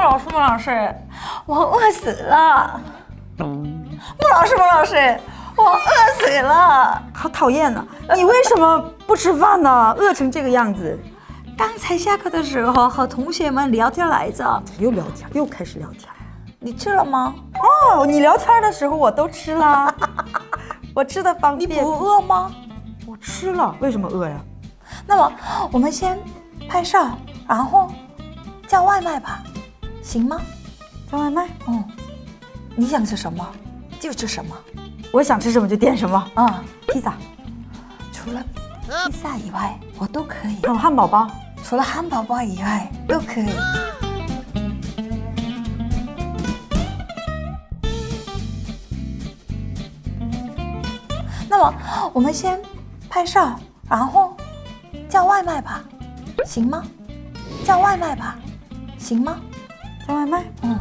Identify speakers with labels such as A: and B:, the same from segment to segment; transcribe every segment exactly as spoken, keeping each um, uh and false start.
A: 老师，莫老师，我饿死了。莫老师，莫老师，我饿死了。
B: 好讨厌呢！你为什么不吃饭呢？饿成这个样子。
A: 刚才下课的时候和同学们聊天来着。
B: 又聊天，又开始聊天。
A: 你吃了吗？
B: 哦，你聊天的时候我都吃了。我吃的方便。
A: 你不饿吗？
B: 我吃了，为什么饿呀？
A: 那么我们先拍摄，然后叫外卖吧，行吗？
B: 叫外卖？
A: 嗯。你想吃什么就吃什么。
B: 我想吃什么就点什么。
A: 啊、嗯，
B: 披萨。
A: 除了披萨以外，我都可以。
B: 哦，汉堡包。
A: 除了汉堡包以外，都可以。那么我们先拍摄，然后叫外卖吧，行吗？叫外卖吧，行吗？
B: 叫外卖？
A: 응.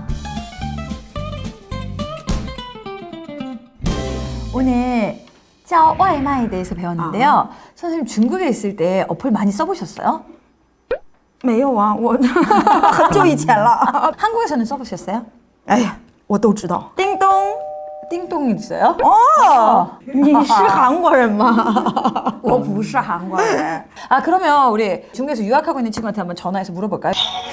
A: 오늘 叫外卖에 대해서 배웠는데요. 아. 선생님 중국에 있을 때 어플 많이 써보셨어요?
B: 没有啊，我很久以前了。
A: 한국에서는 써보셨어요?
B: 哎呀，我都知道。叮咚，
A: 띵동 있어요?
B: 哦，你是韩国人吗？
A: 我不是韩国人。아 그러면 우리 중국에서 유학하고 있는 친구한테 한번 전화해서 물어볼까요?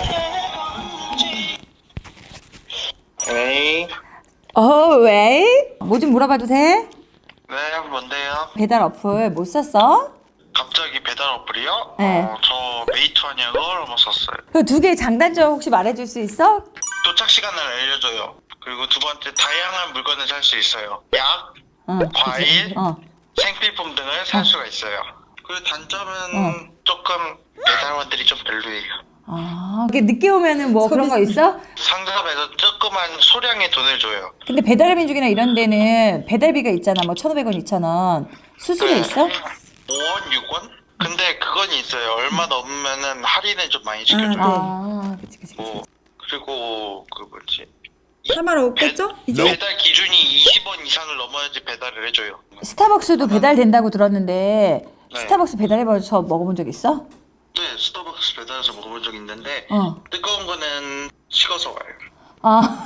C: 喂.
A: 어, 왜? 뭐 좀 물어봐도 돼?
C: 네, 뭔데요?
A: 배달 어플 못 썼어?
C: 갑자기 배달 어플이요?
A: 네.
C: 어, 저 메이트하냐 그걸 한번 썼어요.
A: 그 두 개의 장단점 혹시 말해줄 수 있어?
C: 도착 시간을 알려줘요. 그리고 두 번째 다양한 물건을 살 수 있어요. 약,
A: 어,
C: 과일,
A: 어.
C: 생필품 등을 살
A: 어.
C: 수가 있어요. 그리고 단점은
A: 어.
C: 조금 배달원들이 좀 별로예요.
A: 아, 이게 늦게 오면은 뭐 그런 거 있어?
C: 상점에서 조그만 소량의 돈을 줘요.
A: 근데 배달 민족이나 이런 데는 배달비가 있잖아. 뭐 천오백 원, 이천 원. 수수료 있어?
C: 오 원, 육 원? 근데 그건 있어요. 얼마 넘으면은 할인을 좀 많이 시켜줘요.
A: 아, 그치, 그치, 그치.
C: 뭐, 그리고 그 뭐지?
B: 할 말 없겠죠? 이제?
C: 배달 기준이 이십 원 이상을 넘어야지 배달을 해줘요.
A: 스타벅스도 배달된다고 들었는데
C: 네.
A: 스타벅스 배달해봐서 먹어본 적 있어?
C: 네, 스타벅스 배달해서 먹어본 적 있는데
A: 어.
C: 뜨거운 거는 식어서 와요.
A: 아.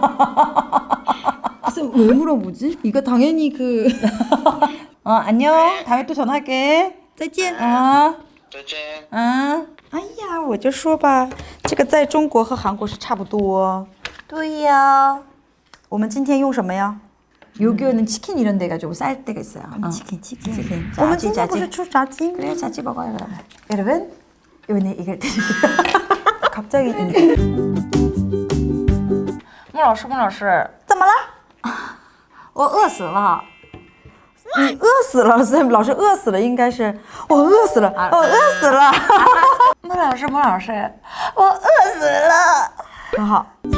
B: 그래서 왜 물어보지? 이거 당연히 그
A: 어, 안녕. 다음에 또 전화할게.
B: 再见。
A: 아.
C: 再见.
A: 아.
B: 哎呀，我就说吧，这个在中国和韩国是差不多。
A: 对呀。
B: 我们今天用什么呀？
A: 요교는 치킨 이런 데가 좀 쌀 때가 있어요. 어.
B: 치킨, 치킨.
A: 치킨.
B: 我们
A: 짜지,
B: 今天不
A: 짜지.
B: 是吃炸鸡吗？
A: 그래, 자지 먹어요, 그러면. 여러분, 오늘 이걸 드릴게요.
B: 갑자기
A: 莫老师，莫老师，
B: 怎么了？
A: 我饿死了。
B: 你饿死了，所以老师饿死了，应该是我饿死了，我饿死了。
A: 莫老师，莫老师，我饿死了。
B: 很好。